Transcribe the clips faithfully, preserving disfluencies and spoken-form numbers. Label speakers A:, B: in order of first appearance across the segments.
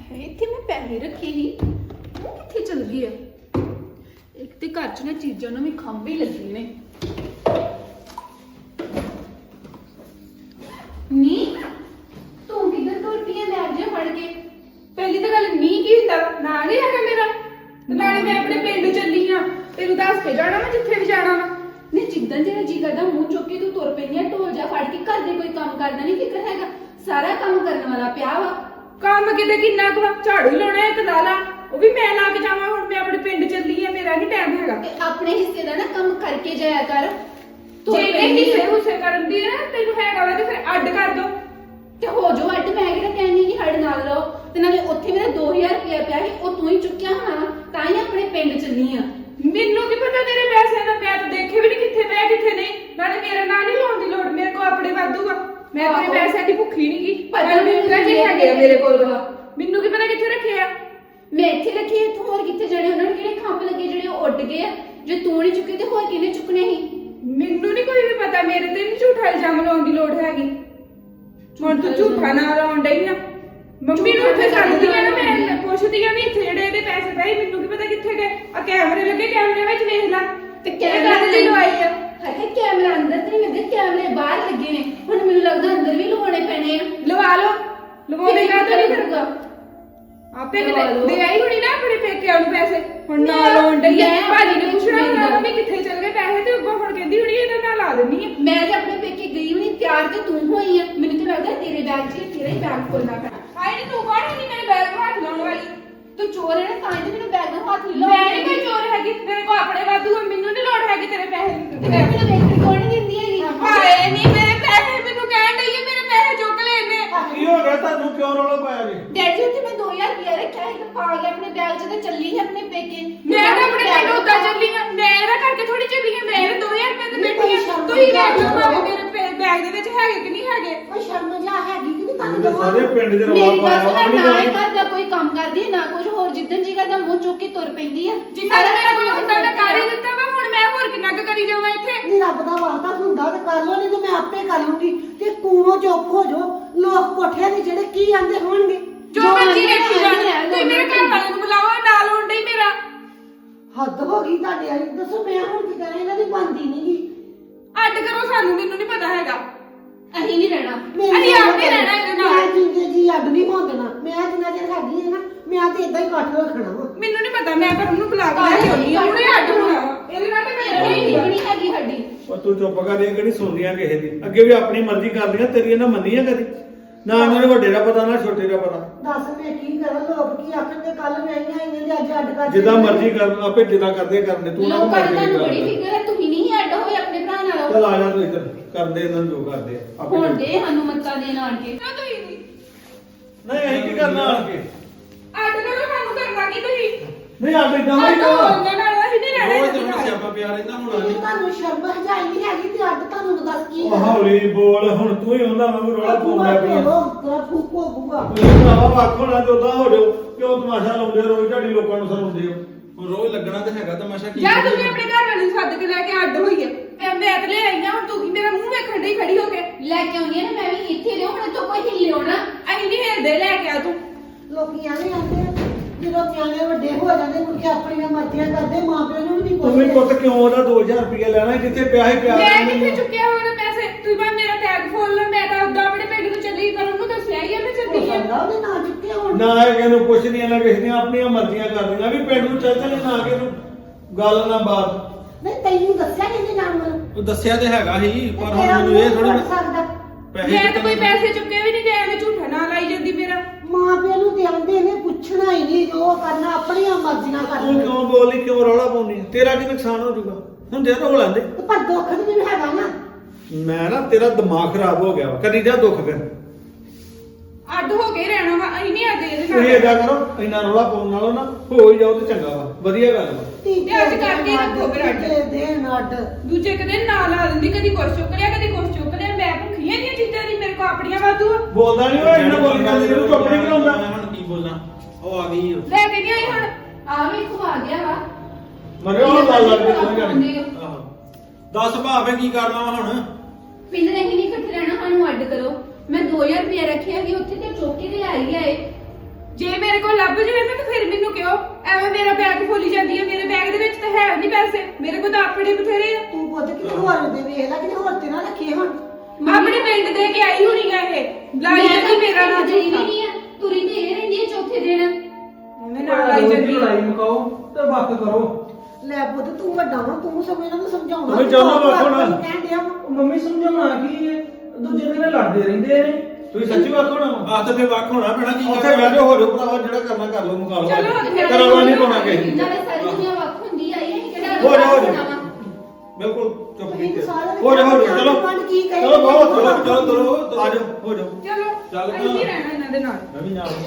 A: है इत्थे मैं पैसे रखे ही वो कित्थे चल गए एक ते घर च ना चीज़ों नूं भी खंभे लगे ने नी तू किधर तुर पई है बैग जे फड़ के पहली तो गल नी की हुंदा ना नहीं हैगा मेरा ते नाले मैं अपने पिंड चली हां तेनू दस के जाना मैं जिथे भी जाना वा नहीं जिद्दां जेड़ा जी करदा मूंह चुक के तू तुर पई है ढोल जा फड़ के घर दे कोई काम करदा नहीं फिक्र हैगा सारा काम करने वाला पिया वा काम किते किन्ना कुआ झाड़ू ही लाना है ला ला ਉਹ ਵੀ ਮੈਂ ਲਾ ਕੇ ਜਾਵਾਂ ਹੁਣ ਮੈਂ ਆਪਣੇ ਪਿੰਡ ਚੱਲੀ ਆ ਮੇਰਾ ਨਹੀਂ ਟਾਈਮ ਹੈਗਾ ਆਪਣੇ ਹਿੱਸੇ ਦਾ ਨਾ ਕੰਮ ਕਰਕੇ ਜਾਇਆ ਕਰ ਜੇ ਇਹ ਹਿੱਸੇ ਹੁੱਸੇ ਕਰਨ ਦੀ ਨਾ ਤੈਨੂੰ ਹੈਗਾ ਵਾ ਤੇ ਫਿਰ ਅੱਡ ਕਰ ਦੋ ਤੇ ਹੋ ਜੋ ਅੱਡ ਮੈਂ ਕਿਹੜਾ ਕਹਿੰਦੀ ਕਿ ਸਾਡੇ ਨਾਲ ਰਹੋ ਤੇ ਨਾਲੇ ਉੱਥੇ ਮੇਰਾ ਦੋ ਹਜ਼ਾਰ ਰੁਪਇਆ ਪਿਆ ਸੀ ਉਹ ਤੂੰ ਹੀ ਚੁੱਕਿਆ ਹੋਣਾ ਤਾਂ ਹੀ ਆਪਣੇ ਪਿੰਡ ਚੱਲੀ ਆ ਮੈਨੂੰ ਕੀ ਪਤਾ ਤੇਰੇ ਪੈਸਿਆਂ ਦਾ ਮੈਂ ਤਾਂ ਦੇਖੇ ਵੀ ਨਹੀਂ ਕਿੱਥੇ ਪਿਆ ਕਿੱਥੇ ਨਹੀਂ ਨਾਲੇ ਮੇਰੇ ਨਾਲ ਨਹੀਂ ਲਾਉਣ ਦੀ ਲੋੜ ਮੇਰੇ ਕੋਲ ਆਪਣੇ ਵਾਧੂ ਆ ਮੈਂ ਤੇਰੇ ਪੈਸਿਆਂ ਦੀ ਭੁੱਖੀ ਨਹੀਂ ਗਈ ਪਤਾ ਮੈਨੂੰ ਜੇ ਹੈਗੇ ਆ ਮੇਰੇ ਕੋਲ ਮੈਨੂੰ ਕੀ ਪਤਾ ਕਿੱਥੇ ਰੱਖੇ ਆ मैं इत्थे रखी इत्थों होर कित्थे जाने उन्होंने किहड़े खंभ लगे जेहड़े उड़ गए जे तू नहीं चुके ते होर किहने चुकने ही मेनू नहीं कोई भी पता मेरे ते नहीं झूठा इल्जाम लाउण दी लोड़ हैगी हुण तू झूठा ना लाउण डई आ मम्मी नूं इत्थे सੱਦਦੀ आ ना मैं पुछदी आ भी इत्थे जेहड़े ਇਹਦੇ पैसे पए मेनू की पता कित्थे गए आ कैमरे लगे कैमरे विच देख ला ते कैमरा ते लवाई आ हाय कैमरा अंदर ते नहीं लगे कैमरे बाहर लगे ने हुण मेनू लगदा अंदर भी लवाने पैणे आ लवा लो लवाउने का तो नहीं करूंगा आपे दे आई हुणी ना अपने पेके ਨੂੰ ਪੈਸੇ ਹੁਣ ਨਾ ਲੋਨ ਡਈ ਹੈ ਭਾਜੀ ਨੇ ਪੁੱਛਣਾ ਹੁੰਦਾ ਵੀ ਕਿੱਥੇ ਚਲ ਗਏ ਪੈਸੇ ਤੇ ਅੱਗੋਂ ਹੁਣ ਕਹਿੰਦੀ ਹੁਣੀ ਇਹਦਾ ਨਾਲ ਲਾ ਦਿੰਨੀ ਆ ਮੈਂ ਤੇ ਆਪਣੇ ਪੇਕੇ ਗਈ ਹੁਣੀ ਤਿਆਰ ਤੇ ਤੂੰ ਹੋਈ ਆ ਮੈਨੂੰ ਤੇ ਲੱਗਦਾ ਤੇਰੇ ਬੈਗ 'ਚ ਤੇਰਾ ਹੀ ਬੈਗ ਖੋਲਣਾ ਪੈਣਾ ਹਾਏ ਨੀ ਤੂੰ ਕੌਣ ਹੈਗੀ ਮੇਰੇ ਬੈਗ ਨੂੰ ਹੱਥ ਲਾਉਣ ਵਾਲੀ ਤੂੰ ਚੋਰ ਹੈ ਨਾ ਤਾਂ ਹੀ ਤੇ ਮੈਨੂੰ ਬੈਗ ਨੂੰ ਹੱਥ ਲਾ ਮੈਂ ਨਹੀਂ ਕੋਈ ਚੋਰ ਹੈਗੀ ਮੇਰੇ ਕੋਲ ਆਪਣੇ ਵਾਧੂ ਆ ਮੈਨੂੰ ਨਹੀਂ ਲੋੜ ਹੈਗੀ ਤੇਰੇ ਪੈਸੇ ਦੀ ਤੇ ਮੈਨੂੰ ਵੇਖਣ ਕੋਣ ਨਹੀਂ ਦਿੰਦੀ ਹੈਗੀ ਹਾਏ ਨਹੀਂ ਮੇਰੇ ਪੈਸੇ ਮੈਨੂੰ ਕਹਿਣ ਡਈ ਹੈ ਮੇਰੇ ਪੈਸੇ ਚੁੱਕ ਲੈ ਇਹਨੇ
B: ਕੀ ਹੋ ਗਿਆ ਤੁਹਾਨੂੰ ਕਿਉਂ ਰੌਲਾ ਪਾਇਆ ਜੀ
A: ਡੈਡੀ ਉੱਥੇ ਮੈਂ ਦੋ ਹਜ਼ਾਰ ਰੁਪਇਆ ਰੱਖਿਆ ਸੀ ਤੇ ਪਾ ਕੇ ਆਪਣੇ ਬੈਗ 'ਚ ਤੇ ਚੱਲੀ ਹੈ ਆਪਣੇ ਪੇਕੇ ਮੈਂ ਤਾਂ ਆਪਣੇ ਪਿੰਡ ਉੱਦਾਂ ਚੱਲੀ ਹਾਂ ਮੈਂ ਇਹਦਾ ਕਰਕੇ ਥੋੜੀ ਚੱਲੀ ਹਾਂ ਮੈਂ ਦੋ ਹਜ਼ਾਰ ਰੁਪਏ ਤੇ ਬੈਠੀ ਹਾਂ ਤੁਸੀਂ ਦੇਖ ਲਓ ਭਾਵੇਂ ਮੇਰੇ ਬੈਗ ਦੇ ਵਿੱਚ ਹੈਗੇ ਕਿ ਨਹੀਂ ਹੈਗੇ
C: ਕੋਈ ਸ਼ਰਮ ਜਾ ਹੈਗੀ ਕਿ ਨਹੀਂ ਤੁਹਾਨੂੰ
B: ਤੇ ਸਾਰੇ ਪਿੰਡ ਦੇ ਰੌਲਾ
A: ਮੇਰੀ
B: ਪਾਇਆ
A: ਗੱਲ
B: ਆਪਣੀ
A: ਨਾ
B: ਗੱਲ
A: ਘਰ ਦਾ ਕੋਈ ਕੰਮ ਕਰਦੀ ਨਾ ਕੁਝ ਹੋਰ ਜਿੱਦਣ ਜੀ ਕਰਦਾ ਮੂੰਹ ਚੁੱਕ ਕੇ ਤੁਰ ਪੈਂਦੀ ਆ
D: ਜਿੰਨਾ ਮੇਰਾ ਕੋਈ ਹੁੰਦਾ ਮੈਂ ਕਰ ਹੀ ਦਿੱਤਾ ਵਾ ਹੁਣ ਮੈਂ ਹੋਰ ਕਿੰਨਾ ਕੁ ਕਰੀ ਜਾਵਾਂ ਇੱਥੇ
C: ਨਹੀਂ ਰੱਬ ਦਾ ਵਾਅਦਾ ਹੁੰਦਾ ਤੇ ਕਰ ਲੋ ਨਹੀਂ ਤੇ ਮੈਂ ਆਪੇ ਕਰ ਲੂੰਗੀ ਤੇ ਕੂਣੋ ਚੁੱਪ ਹੋ ਜਾਓ ਲੋਕ ਕੋਠਿਆਂ ਦੇ ਜਿਹੜੇ ਕੀ ਆਂਦੇ ਹੋਣਗੇ
D: ਜੋ ਮਰਜੀ ਵੇਖੀ ਜਾਣ ਤੁਸੀਂ ਮੇਰੇ ਘਰ ਵਾਲੇ ਨੂੰ ਬੁਲਾਓ ਨਾਲ ਹੋਣ ਡਈ ਮੇਰਾ
C: ਹੱਦ ਹੋ ਗਈ ਤੁਹਾਡੇ ਵਾਲੀ ਦੱਸੋ ਮੈਂ ਹੁਣ ਕੀ ਕਰਾਂ ਇਹਨਾਂ ਦੀ ਬਣਦੀ ਨਹੀਂ ਗੀ
D: ਅੱਡ ਕਰੋ ਸਾਨੂੰ ਮੈਨੂੰ ਨਹੀਂ ਪਤਾ ਹੈਗਾ
A: ਅਸੀਂ ਨਹੀਂ ਰਹਿਣਾ
D: ਅਸੀਂ ਆਪੇ ਰਹਿਣਾ ਇਹਦੇ ਨਾਲ
C: ਮੈਂ ਜਿੰਦੇ ਜੀ ਅੱਡ ਨਹੀਂ ਹੋਣਾ ਮੈਂ ਜਿੰਨਾ ਚਿਰ ਹੈਗੀ ਹੈ ਨਾ ਮੈਂ ਤੇ ਇਦਾਂ ਹੀ ਇਕੱਠ ਰੱਖਣਾ ਵਾ
D: ਮੈਨੂੰ ਨਹੀਂ ਪਤਾ ਮੈਂ ਪਰ ਉਹਨੂੰ ਬੁਲਾ ਕੇ ਲੈ ਕੇ ਆਉਣੀ ਆ ਹੁਣੇ ਅੱਡ ਹੋਣਾ ਵਾ। ਇਹਦੇ ਨਾਲ ਤਾਂ ਮੈਂ
A: ਕੋਈ
D: ਨਹੀਂ
A: ਨਹੀਂ ਹੈਗੀ ਸਾਡੀ
B: ਉਹ ਤੂੰ ਚੁੱਪ ਕਰ ਇਹ ਕਿਹੜੀ ਸੁਣਦੀਆਂ ਕਿਸੇ ਦੀ ਅੱਗੇ ਵੀ ਆਪਣੀ ਮਰਜ਼ੀ ਕਰਦੀਆਂ ਤੇਰੀ ਇਹਨਾਂ ਮੰਨੀ ਆ ਕਦੀ ਨਾ ਇਹਨਾਂ ਨੂੰ ਵੱਡੇ ਦਾ ਪਤਾ ਨਾ ਛੋਟੇ ਦਾ ਪਤਾ
C: ਦੱਸ ਮੈਂ ਕੀ ਕਰਾਂ ਲੋਕ ਕੀ ਆਖਣਗੇ ਕੱਲ ਮੈਂ ਆਈਆਂ ਇਹਨਾਂ ਦੇ ਅੱਜ ਅੱਡ ਕਰ
B: ਜਿੱਦਾਂ ਮਰਜ਼ੀ ਕਰ ਆਪੇ ਜਿੱਦਾਂ ਕਰਦੇ ਕਰਦੇ ਤੂੰ ਨਾ
A: ਲੋਕਾਂ ਦੀ
B: ਮਰਜ਼ੀ
A: ਤੁਹਾਨੂੰ ਬੜੀ
B: ਕਰ
A: ਫਿਕਰ ਹੈ ਤੁਸੀਂ ਨਹੀਂ ਅੱਡ ਹੋਏ ਆਪਣੇ ਭਰਾ ਨਾਲ
B: ਚੱਲ ਆ ਜਾ ਤੂੰ ਇੱਧਰ ਕਰਦੇ ਇਹਨਾਂ ਨੂੰ ਜੋ ਕਰਦੇ ਆ, ਆਪੇ
A: ਹੁਣ
B: ਕਰਦੇ।
A: ਦੇ ਸਾਨੂੰ ਮੱਤਾਂ ਦੇਣ ਆਣ ਕੇ
D: ਨਾ ਤੁਸੀਂ ਨਹੀਂ
B: ਨਹੀਂ ਅਸੀਂ ਕੀ ਕਰਨਾ ਆਣ ਕੇ
D: ਅੱਡ ਕਰੋ ਸਾਨੂੰ ਕਰਨਾ ਕੀ ਤੁਸੀਂ
B: ਨਹੀਂ ਆਪ ਇਦਾਂ
D: ਅੱਡ
B: ਨਹੀਂ
D: ਹੋਣ ਨਾਲ ਅਸੀਂ ਨਹੀਂ ਰਹਿਣਾ
B: ਰੋਜ਼
D: ਇਹਦੇ
B: ਤੇ
D: ਨਾਲ।
B: ਸਿਆਪਾ ਪਿਆ ਰਹਿੰਦਾ ਹੁਣ
C: ਜੇ ਤੁਹਾਨੂੰ ਸ਼ਰਮ ਹਜਾਈ ਨਹੀਂ ਹੈਗੀ ਤੇ ਅੱਡ ਤੁਹਾਨੂੰ ਦੱਸ ਕੀ
B: ਉਹ ਹੌਲੀ ਬੋਲ ਹੁਣ ਤੂੰ ਹੀ ਉਹਨਾਂ ਵਾਂਗੂ ਰੌਲਾ ਪਾਉਂਦਾ ਪਿਆ
C: ਤੇਰਾ ਫੂਕੋ ਬੂਗਾ
B: ਤੁਸੀਂ ਭਰਾਵਾ ਵੱਖ ਹੋਣਾ ਤੇ ਉਦਾਂ ਹੋ ਜਾਓ ਕਿਉਂ ਤਮਾਸ਼ਾ ਲਾਉਂਦੇ ਹੋ ਰੋਜ਼ ਝਾੜੀ ਲੋਕਾਂ ਨੂੰ ਸਰਾਉਂਦੇ ਹੋ
E: ਹੁਣ ਰੋਜ਼ ਲੱਗਣਾ ਤੇ ਹੈਗਾ ਤਮਾਸ਼ਾ ਕੀ
D: ਜਾਂ ਤੁਸੀਂ ਆਪਣੇ ਘਰ ਵਾਲੇ ਨੂੰ ਸੱਦ ਕੇ ਲੈ ਕੇ ਅੱਡ ਹੋਈਏ ਐ ਮੈਂ ਤੇ ਲੈ ਆਈ ਆ ਹੁਣ ਤੂੰ ਕੀ ਮੇਰਾ ਮੂੰਹ ਵੇਖਣ ਡਈ ਖੜੀ ਹੋ ਕੇ
A: ਲੈ ਕੇ ਆਉਣੀ ਆ ਨਾ ਮੈਂ ਵੀ ਇੱਥੇ ਰਿਓ ਹੁਣ ਤੋਂ ਕੋਈ ਹਿੱਲਿਓ ਨਾ
D: ਅਸੀਂ ਨਹੀਂ ਹਿਲਦੇ ਲੈ ਕੇ ਆ ਤੂੰ
C: ਲੋਕੀ ਐਵੇਂ ਆਂਦੇ ਆ, ਜਦੋਂ ਨਿਆਣੇ ਵੱਡੇ ਹੋ ਜਾਂਦੇ ਮੁੜ ਕੇ ਆਪਣੀਆਂ ਮਰਜ਼ੀਆਂ ਕਰਦੇ ਮਾਂ ਪਿਓ ਨੂੰ ਵੀ ਨਹੀਂ
B: ਤੂੰ ਵੀ
C: ਪੁੱਛਦੇ
B: ਪੁੱਤ ਕਿਉਂ ਉਹਦਾ ਦੋ ਹਜ਼ਾਰ ਰੁਪਇਆ ਲੈਣਾ ਜਿੱਥੇ ਪਿਆ ਹੀ ਪਿਆ
D: ਮੈਂ
B: ਰਹਿਣ
D: ਕਿੱਥੇ
B: ਦੇ।
D: ਚੁੱਕਿਆ ਹੋਇਆ ਪੈਸੇ ਤੂੰ ਬਾ ਮੇਰਾ ਟੈਗ ਖੋਲ ਲੈ ਮੈਂ ਤਾਂ ਉਦਾਂ ਆਪਣੇ ਪਿੰਡ ਨੂੰ ਚੱਲੀ ਕਰ ਉਹਨੂੰ ਦੱਸਿਆ ਹੀ ਆ ਮੈਂ
C: ਹੋ
D: ਚੱਲੀ ਆ
C: ਸਕਦਾ ਉਹਦੇ ਨਾਂ ਚੁੱਕੇ ਹੋਣ
B: ਨਾ ਇਹ ਨੂੰ ਕੁਛ ਨਹੀਂ ਇਹਨਾਂ ਕਿਸੇ ਦੀਆਂ ਆਪਣੀਆਂ ਮਰਜ਼ੀਆਂ ਕਰਦੀਆਂ ਵੀ ਪਿੰਡ ਨੂੰ ਚੱਲ ਚੱਲ ਨਾ ਕਿ ਨੂੰ ਗੱਲ ਨਾ ਬਾਤ
C: ਨਹੀਂ ਤੈਨੂੰ ਦੱਸਿਆ ਕਿਹਨੇ ਨਾਮ ਨੂੰ
E: ਉਹ ਦੱਸਿਆ ਤੇ ਹੈਗਾ ਸੀ ਪਰ
C: ਤੇਰਾ
E: ਹੁਣ ਮੈਨੂੰ ਇਹ
C: ਮੂੰਹ
E: ਥੋੜੀ
C: ਫੜ ਸਕਦਾ
E: ਪੈਸੇ
D: ਮੈਂ ਤਾਂ ਕੋਈ
E: ਕਿੱਥੋਂ-
D: ਪੈਸੇ ਚੁੱਕੇ ਵੀ ਨਹੀਂ ਤੇ ਐਵੇਂ ਝੂਠਾ ਨਾ ਲਾਈ ਜਾਂਦੀ ਮੇਰਾ
C: ਮਾਂ ਪਿਓ ਨੂੰ ਤੇ ਆਉਂਦੇ ਨੇ ਪੁੱਛਣਾ ਹੀ ਨਹੀਂ ਜੋ ਕਰਨਾ ਆਪਣੀਆਂ ਮਰਜ਼ੀਆਂ
B: ਤੂੰ
C: ਕਰਨੀਆਂ
B: ਕਿਉਂ ਬੋਲੀ ਕਿਉਂ ਰੌਲਾ ਪਾਉਂਦੀ ਹੈ? ਤੇਰਾ ਕੀ ਨੁਕਸਾਨ ਹੋ ਜਾਊਗਾ ਹੁੰਦੇ ਤਾਂ ਹੋ ਲੈਂਦੇ
C: ਤੇ ਪਰ ਦੁੱਖ ਵੀ ਮੈਨੂੰ ਹੈਗਾ ਨਾ
B: ਮੈਂ ਨਾ ਤੇਰਾ ਦਿਮਾਗ ਖਰਾਬ ਹੋ ਗਿਆ ਵਾ ਕਦੀ ਜਾ ਦੁੱਖ ਫਿਰ
D: ਅੱਡ ਹੋ ਕੇ ਰਹਿਣਾ ਵਾ ਅਸੀਂ ਨਹੀਂ ਅੱਡ ਇਹਦੇ
B: ਤੁਸੀਂ
D: ਨਾਲ
B: ਏਦਾਂ ਕਰੋ ਇੰਨਾ ਰੌਲਾ ਪਾਉਣ ਨਾਲੋਂ ਨਾ ਹੋ ਹੀ ਜਾਓ ਤੇ ਚੰਗਾ ਵਾ ਵਧੀਆ ਗੱਲ ਵਾ
C: ਤੀਜੇ
D: ਤੇ ਅੱਜ ਕਰਕੇ ਰੱਖੋ ਫਿਰ ਅੱਡ।
C: ਤੀਜੇ ਦਿਨ ਅੱਡ
D: ਦੂਜੇ ਕਦੇ ਨਾ ਲਾ ਦਿੰਦੀ ਕਦੀ ਕੁਛ ਚੁੱਕ ਲਿਆ ਕਦੀ ਕੁਛ ਚੁੱਕ ਲਿਆ ਮੈਂ ਭੁੱਖੀਆਂ ਦੀਆਂ ਚੀਜ਼ਾਂ ਦੀ ਮੇਰੇ ਕੋ ਆਪਣੀਆਂ ਵਾਧੂ ਆ।
B: ਬੋਲਦਾ ਨਹੀਂ ਓਏ ਇੰਨਾ ਬੋਲੀ ਜਾਂਦੀ ਇਹਨੂੰ ਚੁੱਪ ਨਹੀਂ ਕਰਾਉਂਦਾ
E: ਮੈਂ ਹੁਣ ਕੀ ਬੋਲਾਂ ਉਹ ਆ ਗਈ ਓ।
D: ਲੈ ਕੇ ਨਹੀਂ ਆਈ ਹੁਣ
A: ਆ ਵੀ ਖਵਾ ਗਿਆ ਵਾ
B: ਮਰੇ ਉਹ ਗੱਲ ਲੱਗ ਗਈ ਕੋਈ ਗੱਲ
A: ਆਉਂਦੇ
B: ਨਹੀਂ
A: ਹੋ।
E: ਆਹੋ ਦੱਸ ਭਾਵੇਂ ਕੀ ਕਰਨਾ ਵਾ ਹੁਣ
A: ਪਿੰਡ ਦੇ ਨਹੀਂ ਇਕੱਠੇ ਰਹਿਣਾ ਸਾਨੂੰ ਅੱਡ ਕਰੋ ਮੈਂ ਦੋ ਹਜ਼ਾਰ ਰੁਪਏ ਰੱਖਿਆ ਕਿ ਉੱਥੇ ਤੇ ਚੁੱਕ ਕੇ ਤੇ ਲੈ ਹੀ ਆਏ
D: ਜੇ ਮੇਰੇ ਕੋਲ ਲੱਭ ਜਾਵੇ ਨਾ ਤਾਂ ਫਿਰ ਮੈਨੂੰ ਕਿਉਂ ਐਵੇਂ ਮੇਰਾ ਬੈਗ ਫੁੱਲੀ ਜਾਂਦੀ ਹੈ ਮੇਰੇ ਬੈਗ ਦੇ ਵਿੱਚ ਤਾਂ ਹੈ ਨਹੀਂ ਪੈਸੇ ਮੇਰੇ ਕੋਲ ਤਾਂ ਆਪਣੇ ਬਥੇਰੇ ਆ
C: ਤੂੰ ਪੁੱਤ ਕਿਤੇ ਹੋਰ ਦੇ ਵੇਖ ਲੈ ਕਿਤੇ ਹੋਰ ਤੇ ਨਾ ਰੱਖੇ ਹੁਣ
D: ਆਪਣੇ ਪਿੰਡ ਦੇ ਕੇ ਆਈ ਹੋਣੀ ਆ ਇਹ ਲਾਈ ਜਾਂਦੀ ਮੇਰਾ ਨਾ
A: ਜੀ ਨਹੀਂ ਆ ਤੁਰੀ ਤੇ ਇਹ ਰਹਿੰਦੀ ਹੈ ਚੌਥੇ ਦਿਨ
D: ਐਵੇਂ ਨਾਲ ਲਾਈ ਜਾਂਦੀ
F: ਲੜਾਈ ਮੁਕਾਓ ਤੇ ਵੱਖ ਕਰੋ।
C: ਲੈ ਪੁੱਤ ਤੂੰ ਵੱਡਾ ਵਾ ਤੂੰ ਸਭ ਇਹਨਾਂ ਨੂੰ ਸਮਝਾਉਣਾ
B: ਤੁਸੀਂ ਚੱਲੋ ਵੇਖੋ ਨਾ।
C: ਕਹਿਣ ਡਿਆ ਵਾ।
F: ਉਹ ਮੰਮੀ ਸਮਝਾਉਣਾ ਕੀ ਹੈ ਦੂਜੇ ਦਿਨ ਲੜਦੇ ਰਹਿੰਦੇ ਨੇ।
B: ਤੁਸੀਂ ਸੱਚੀ ਵਾਕੋ ਨਾ
E: ਆਹ ਤਾਂ ਫੇਰ ਵੱਖ ਹੋਣਾ ਪੈਣਾ ਕੀ
B: ਉੱਥੇ ਬਹਿ ਜਾਓ ਹੋ ਜਾਓ ਭਰਾਵਾ ਜਿਹੜਾ ਕਰਨਾ ਕਰ ਲਓ ਮੁਕਾ ਲਓ
D: ਚਲੋ ਉੱਥੇ
B: ਕਰਾਵਾ ਨਹੀਂ ਪਾਉਣਾ ਕਿਸੇ ਨੂੰ।
A: ਨਾਲੇ ਸਾਰੀ ਦੁਨੀਆ ਵੱਖ ਹੁੰਦੀ ਆਈ ਹੈ ਕਿਹੜਾ
B: ਹੋ ਜਾ ਹੋ ਜਾ
A: ਬਣਾਵਾਂ।
B: ਬਿਲਕੁਲ ਚੁੱਪ
C: ਤੁਸੀਂ
B: ਕੀਤੇ
C: ਸਾਰਿਆਂ ਨੇ
B: ਹੋ ਜਾ ਹੋ ਜਾ ਚਲੋ
C: ਮਨ ਕੀ ਕਹੇ
B: ਚਲੋ ਬਹੁਤ ਚਲੋ ਚਲੋ ਚਲੋ ਆ ਜਾਓ ਹੋ ਜਾਓ
D: ਚਲੋ
E: ਚੱਲ
D: ਅਸੀਂ ਨਹੀਂ ਰਹਿਣਾ ਇਹਨਾਂ ਦੇ ਨਾਲ
E: ਮੈਂ ਵੀ ਨਾਲ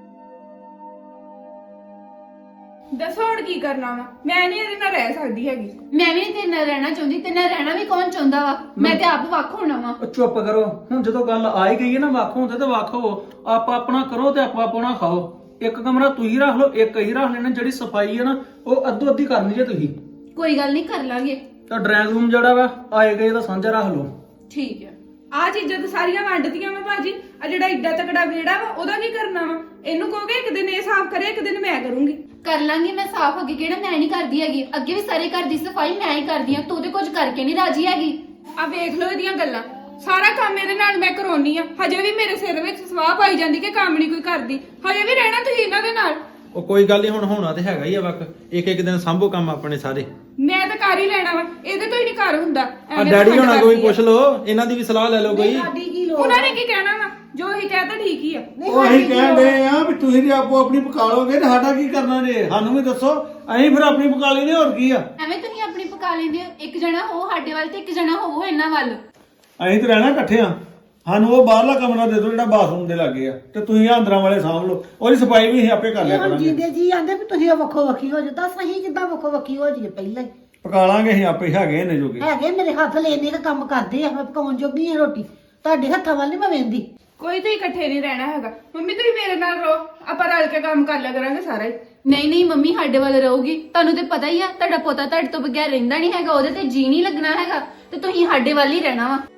D: ਦੱਸੋ ਹੁਣ ਕੀ ਕਰਨਾ ਵਾ ਮੈਂ ਨਹੀਂ ਇਹਦੇ ਨਾਲ ਰਹਿ ਸਕਦੀ ਹੈਗੀ
A: ਮੈਂ ਵੀ ਨਹੀਂ ਤੇਰੇ ਨਾਲ ਰਹਿਣਾ ਚਾਹੁੰਦੀ ਤੇਰੇ ਨਾਲ ਰਹਿਣਾ ਵੀ ਕੌਣ ਚਾਹੁੰਦਾ ਵਾ ਮੈਂ ਤੇ ਆਪ ਵੱਖ ਹੋਣਾ ਵਾ
F: ਉਹ ਚੁੱਪ ਕਰੋ ਹੁਣ ਜਦੋਂ ਗੱਲ ਆ ਹੀ ਗਈ ਹੈ ਨਾ ਵੱਖ ਹੁੰਦੇ ਤੇ ਵੱਖ ਹੋ ਆਪ ਆਪਣਾ ਕਰੋ ਤੇ ਆਪੋ ਆਪਣਾ ਖਾਓ। ਇੱਕ ਕਮਰਾ ਤੁਸੀਂ ਰੱਖ ਲਓ ਇੱਕ ਹੀ ਰੱਖ ਲੈਣਾ ਜਿਹੜੀ ਸਫਾਈ ਹੈ ਨਾ ਉਹ ਅੱਧੋ ਅੱਧੀ ਕਰਨੀ ਜੇ ਤੁਸੀਂ
A: ਕੋਈ ਗੱਲ ਨਹੀਂ ਕਰ ਲਾਂਗੇ
F: ਤਾਂ ਡਰਾਇੰਗ ਰੂਮ ਜਿਹੜਾ ਵਾ ਆਏ ਗਏ ਦਾ ਸਾਂਝਾ ਰੱਖ ਲਓ।
D: ਠੀਕ ਹੈ ਆ ਚੀਜ਼ਾਂ ਤਾਂ ਸਾਰੀਆਂ ਵੰਡਦੀਆਂ ਮੈਂ ਭਾਜੀ ਆ ਜਿਹੜਾ ਏਡਾ ਤਕੜਾ ਵਿਹੜਾ ਵਾ ਉਹਦਾ ਕੀ ਕਰਨਾ ਵਾ ਇਹਨੂੰ ਕਹੋਗੇ ਇੱਕ ਦਿਨ ਇਹ ਸਾਫ਼ ਕਰੇ ਇੱਕ ਦਿਨ ਮੈਂ ਕਰੂੰਗੀ
A: ਕਰ ਲਾਂਗੀ ਮੈਂ ਸਾਫ਼ ਅੱਗੇ ਕਿਹੜਾ ਮੈਂ ਨਹੀਂ ਕਰਦੀ ਹੈਗੀ ਅੱਗੇ ਵੀ ਸਾਰੇ ਘਰ ਦੀ ਸਫਾਈ ਮੈਂ ਹੀ ਕਰਦੀ ਆ ਤੂੰ ਤੇ ਕੁਝ ਕਰਕੇ ਨਹੀਂ ਰਾਜੀ ਹੈਗੀ
D: ਆ ਵੇਖ ਲਓ ਇਹਦੀਆਂ ਗੱਲਾਂ ਸਾਰਾ ਕੰਮ ਇਹਦੇ ਨਾਲ ਮੈਂ ਕਰਾਉਣੀ ਆ ਹਜੇ ਵੀ ਮੇਰੇ ਸਿਰ ਵਿੱਚ ਸਵਾਹ ਪਾਈ ਜਾਂਦੀ ਕਿ ਕੰਮ ਨਹੀਂ ਕੋਈ ਕਰਦੀ ਹਜੇ ਵੀ ਰਹਿਣਾ ਤੁਸੀਂ ਇਹਨਾਂ ਦੇ ਨਾਲ
E: ਉਹ ਕੋਈ ਗੱਲ ਨਹੀਂ ਹੁਣ ਹੋਣਾ ਤੇ ਹੈਗਾ ਹੀ ਆ ਵਕ ਇੱਕ ਇੱਕ ਦਿਨ ਸੰਭੋ ਕੰਮ ਆਪਣੇ ਸਾਰੇ
D: ਮੈਂ ਤਾਂ ਕਰ ਹੀ ਲੈਣਾ ਵਾ ਇਹਦੇ ਤੋਂ ਹੀ ਨਹੀਂ ਕਰ ਹੁੰਦਾ
E: ਆ
D: ਐਵੇਂ
E: ਡੈਡੀ
D: ਤਾਂ
E: ਹੋਣਾ
D: ਖੰਡ
E: ਕੋਈ
D: ਕਰਦੀ ਆ।
E: ਪੁੱਛ ਲਓ ਇਹਨਾਂ ਦੀ ਵੀ ਸਲਾਹ ਲੈ ਲਓ ਕੋਈ
C: ਸਾਡੀ ਕੀ ਲੋੜ
D: ਉਹਨਾਂ ਨੇ ਕੀ ਕਹਿਣਾ ਵਾ ਜੋ ਹੀ ਕਹਤਾ ਠੀਕ ਹੀ ਆ
C: ਨਹੀਂ,
B: ਉਹ
C: ਸਾਡੀ
B: ਅਸੀਂ
C: ਕੀ
B: ਕਹਿਣ
C: ਲੋੜ?
B: ਦੇ ਆ ਵੀ ਤੁਸੀਂ ਜੇ ਆਪੋ ਆਪਣੀ ਪਕਾ ਲੋਗੇ ਤੇ ਸਾਡਾ ਕੀ ਕਰਨਾ ਜੇ ਸਾਨੂੰ ਵੀ ਦੱਸੋ ਅਸੀਂ ਫਿਰ ਆਪਣੀ ਪਕਾ ਲੈਣੀ ਹੋਰ ਕੀ ਆ
A: ਐਵੇਂ ਤੁਸੀਂ ਆਪਣੀ ਪਕਾ ਲੈਂਦੇ ਹੋ ਇੱਕ ਜਣਾ ਹੋ ਸਾਡੇ ਵੱਲ ਤੇ ਇੱਕ ਜਣਾ ਹੋਵੋ ਇਹਨਾਂ ਵੱਲ
B: ਅਸੀਂ ਤੇ ਰਹਿਣਾ ਇਕੱਠੇ ਆ ਸਾਨੂੰ ਉਹ ਬਾਹਰਲਾ ਕਮਰਾ ਦੇ ਦਿਓ ਜਿਹੜਾ ਬਾਥਰੂਮ ਦੇ ਲਾਗੇ ਆ ਤੇ ਤੁਸੀਂ ਆਹ ਅੰਦਰਾਂ ਵਾਲੇ ਸਾਂਭ ਲਓ ਉਹਦੀ ਸਫਾਈ ਵੀ ਅਸੀਂ ਆਪੇ ਕਰ ਲਿਆ
C: ਇਹ ਹੁਣ
B: ਕਰਾਂਗੇ
C: ਜਿੰਦੇ ਜੀ ਆਂਦੇ ਵੀ ਤੁਸੀਂ ਵੱਖੋ ਵੱਖੀ ਹੋ ਜਾਓ ਤਾਂ ਸਹੀ ਕਿੱਦਾਂ ਵੱਖੋ ਵੱਖੀ ਹੋ ਜਾਈਏ ਪਹਿਲਾਂ ਹੀ
B: ਪਕਾ ਲਾਂਗੇ ਅਸੀਂ ਆਪੇ ਹੈਗੇ ਨੇ ਜੋਗੇ
C: ਹੈਗੇ ਮੇਰੇ ਹੱਥ ਲੈਣੇ ਦਾ ਕੰਮ ਕਰਦੇ ਆ ਮੈਂ ਪਕਾਉਣ ਜੋਗੀ ਆ ਰੋਟੀ ਤੁਹਾਡੇ ਹੱਥਾਂ ਵੱਲ ਨਹੀਂ ਮੈਂ ਵੇਂਦੀ
D: ਕੋਈ ਤੁਸੀਂ ਇਕੱਠੇ ਨਹੀਂ ਰਹਿਣਾ ਹੈਗਾ ਮੰਮੀ ਤੁਸੀਂ ਮੇਰੇ ਨਾਲ ਰਹੋ ਆਪਾਂ ਰਲ ਕੇ ਕੰਮ ਕਰ ਲਿਆ ਕਰਾਂਗੇ ਸਾਰਾ ਹੀ
A: ਨਹੀਂ ਨਹੀਂ ਮੰਮੀ ਸਾਡੇ ਵੱਲ ਰਹੂਗੀ ਤੁਹਾਨੂੰ ਤੇ ਪਤਾ ਹੀ ਆ ਤੁਹਾਡਾ ਪੋਤਾ ਤੁਹਾਡੇ ਤੋਂ ਬਗੈਰ ਰਹਿੰਦਾ ਨਹੀਂ ਹੈਗਾ ਉਹਦੇ ਤੇ ਜੀ ਨਹੀਂ ਲੱਗਣਾ ਹੈਗਾ ਤੇ ਤੁਸੀਂ ਸਾਡੇ ਵੱਲ ਹੀ ਰਹਿਣਾ ਵਾ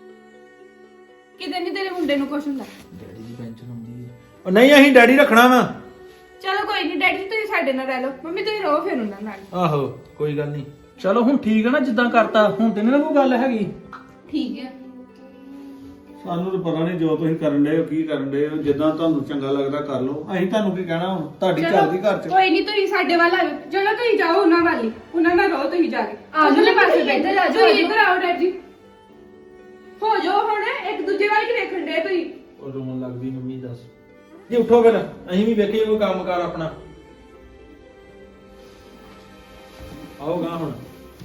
D: ਕਿਤੇ ਨਹੀਂ ਤੇਰੇ ਮੁੰਡੇ ਨੂੰ ਕੁਛ ਹੁੰਦਾ
E: ਡੈਡੀ ਦੀ ਪੈਨਸ਼ਨ ਆਉਂਦੀ ਹੈ ਉਹ ਨਹੀਂ ਅਸੀਂ ਡੈਡੀ ਰੱਖਣਾ ਵਾ
D: ਚਲੋ ਕੋਈ ਨਹੀਂ ਡੈਡੀ ਜੀ ਤੁਸੀਂ ਸਾਡੇ ਨਾਲ ਰਹਿ ਲਓ ਮੰਮੀ ਤੁਸੀਂ ਰਹੋ ਫਿਰ ਉਹਨਾਂ ਨਾਲ
E: ਆਹੋ ਕੋਈ ਗੱਲ ਨਹੀਂ
F: ਚਲੋ ਹੁਣ ਠੀਕ ਹੈ ਨਾ ਜਿੱਦਾਂ ਕਰਤਾ ਹੁਣ ਤੇ ਨਹੀਂ ਕੋਈ ਗੱਲ ਹੈਗੀ।
A: ਠੀਕ ਹੈ
B: ਸਾਨੂੰ ਤਾਂ ਪਤਾ ਨਹੀਂ ਜੋ ਤੁਸੀਂ ਕਰਨ ਦੇ ਹੋ ਕੀ ਕਰਨ ਦੇ ਹੋ ਜਿੱਦਾਂ ਤੁਹਾਨੂੰ ਚੰਗਾ ਲੱਗਦਾ ਕਰ ਲਓ ਅਸੀਂ ਤੁਹਾਨੂੰ ਕੀ ਕਹਿਣਾ ਹੁਣ ਤੁਹਾਡੀ
D: ਚਲੋ,
B: ਚੱਲਦੀ ਘਰ 'ਚ
D: ਕੋਈ ਨਹੀਂ ਤੁਸੀਂ ਸਾਡੇ ਵੱਲ ਆ ਜਾਓ ਚਲੋ ਤੁਸੀਂ ਜਾਓ ਉਹਨਾਂ ਵੱਲ ਹੀ ਉਹਨਾਂ ਨਾਲ ਰਹੋ ਤੁਸੀਂ ਜਾ ਕੇ
A: ਆ ਜਾਓ,
D: ਉਧਰਲੇ ਪਾਸੇ
A: ਤੁਸੀਂ ਇੱਧਰ ਆ ਜਾਓ,
D: ਤੁਸੀਂ
A: ਆ ਜਾਓ।
D: ਇੱਧਰ ਆਓ ਡੈਡੀ ਜੀ ਹੋ ਜਾਓ ਹੁਣ ਇੱਕ ਦੂਜੇ ਵੱਲ ਹੀ ਵੇਖਣ ਦੇ ਤੁਸੀਂ
E: ਉਹ ਰੋਣ ਲੱਗਦੀ ਮੰਮੀ ਦੱਸ ਜੀ ਉੱਠੋ ਫਿਰ ਅਸੀਂ ਵੀ ਵੇਖੀਏ ਕੋਈ ਕੰਮ ਕਰ ਆਪਣਾ ਆਓਗਾ ਹੁਣ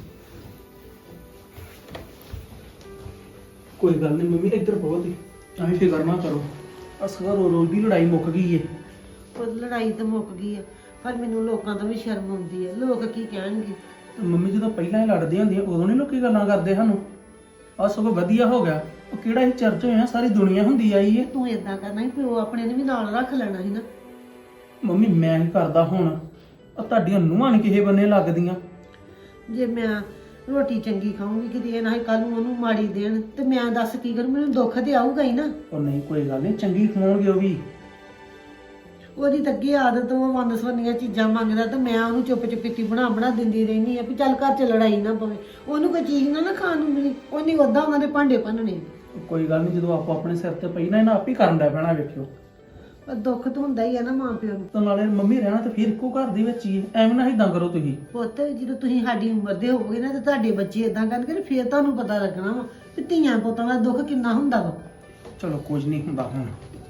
F: ਕੋਈ ਗੱਲ ਨਹੀਂ ਮੰਮੀ ਇੱਧਰ ਬਹੁਤ ਹੀ ਅਸੀਂ ਫਿਕਰ ਨਾ ਕਰੋ ਅਸਗਰ ਰੋਜ਼ ਦੀ ਲੜਾਈ ਮੁੱਕ ਗਈ ਏ।
C: ਪਰ ਲੜਾਈ ਤਾਂ ਮੁੱਕ ਗਈ ਆ ਪਰ ਮੈਨੂੰ ਲੋਕਾਂ ਤੋਂ ਵੀ ਸ਼ਰਮ ਆਉਂਦੀ ਹੈ ਲੋਕ ਕੀ ਕਹਿਣਗੇ
F: ਤੇ ਮੰਮੀ ਜਦੋਂ ਪਹਿਲਾਂ ਹੀ ਲੜਦੀਆਂ ਹੁੰਦੀਆਂ ਉਦੋਂ ਨਹੀਂ ਲੋਕੀ ਗੱਲਾਂ ਕਰਦੇ ਸਾਨੂੰ ਆ ਸਗੋਂ ਵਧੀਆ ਹੋ ਗਿਆ ਉਹ ਕਿਹੜਾ ਹੀ ਚਰਚ ਹੋਇਆ ਸਾਰੀ ਦੁਨੀਆ ਹੁੰਦੀ ਆਈ ਏ।
C: ਤੂੰ ਏਦਾਂ ਕਰਨਾ ਸੀ ਪਿਓ ਆਪਣੇ ਨੇ ਵੀ ਨਾਲ ਰੱਖ ਲੈਣਾ ਸੀ ਨਾ
F: ਮੰਮੀ ਮੈਂ ਕੀ ਕਰਦਾ ਹੁਣ ਆ ਤੁਹਾਡੀਆਂ ਨੂੰਹਾਂ ਨਹੀਂ ਕਿਸੇ ਬੰਨੇ ਲੱਗਦੀਆਂ।
C: ਜੇ ਮੈਂ ਰੋਟੀ ਚੰਗੀ ਖਾਊਂਗੀ ਕਿਤੇ ਇਹ ਨਾ ਕੱਲ ਨੂੰ ਉਹਨੂੰ ਮਾੜੀ ਦੇਣ ਤੇ ਮੈਂ ਦੱਸ ਕੀ ਕਰੂੰ ਮੈਨੂੰ ਦੁੱਖ ਤੇ ਆਊਗਾ ਹੀ ਨਾ
F: ਉਹ ਨਹੀਂ ਕੋਈ ਗੱਲ ਨਹੀਂ ਚੰਗੀ ਖਵਾਉਣਗੇ ਉਹ ਵੀ।
C: ਉਹਦੀ ਤਾਂ ਅੱਗੇ ਆਦਤ ਉਹ ਵੰਨ ਸਵੰਨੀਆਂ ਚੀਜ਼ਾਂ ਮੰਗਦਾ ਤੇ ਮੈਂ ਉਹਨੂੰ ਚੁੱਪ ਚੁਪੀਤੀ ਬਣਾ ਬਣਾ ਦਿੰਦੀ ਰਹਿੰਦੀ ਆ ਵੀ ਚੱਲ ਘਰ 'ਚ ਲੜਾਈ ਨਾ ਪਵੇ ਉਹਨੂੰ ਕੋਈ ਚੀਜ਼ ਨਾ ਨਾ ਖਾਣ ਨੂੰ ਮਿਲੀ ਉਹਨੇ ਉਦਾਂ ਉਹਨਾਂ ਦੇ ਭਾਂਡੇ ਭੰਨਣੇ
F: ਕੋਈ ਗੱਲ ਨਹੀਂ ਜਦੋਂ ਆਪੋ ਆਪਣੇ ਸਿਰ ਤੇ ਪਈ ਨਾ ਇਹਨਾਂ ਆਪ ਹੀ ਕਰਨ ਦਾ ਪੈਣਾ ਵੇਖਿਓ।
C: ਪਰ ਦੁੱਖ ਤਾਂ ਹੁੰਦਾ ਹੀ ਆ ਨਾ ਮਾਂ ਪਿਓ ਨੂੰ
F: ਤਾਂ ਨਾਲੇ ਮੰਮੀ ਰਹਿਣਾ ਤੇ ਫਿਰ ਇੱਕੋ ਘਰ ਦੇ ਵਿੱਚ ਹੀ ਹੈ। ਐਵੇਂ ਨਾ ਇਦਾਂ ਕਰੋ ਤੁਸੀਂ।
C: ਪੁੱਤ ਜਦੋਂ ਤੁਸੀਂ ਸਾਡੀ ਉਮਰ ਦੇ ਹੋਵੋਗੇ ਨਾ ਤੇ ਤੁਹਾਡੇ ਬੱਚੇ ਇਦਾਂ ਕਰਨਗੇ ਤੇ ਫਿਰ ਤੁਹਾਨੂੰ ਪਤਾ ਲੱਗਣਾ ਵਾ ਕਿ ਧੀਆਂ ਪੁੱਤਾਂ ਦਾ ਦੁੱਖ ਕਿੰਨਾ ਹੁੰਦਾ ਵਾ
F: ਚਲੋ ਕੁਝ ਨਹੀਂ ਹੁੰਦਾ ਹੁਣ।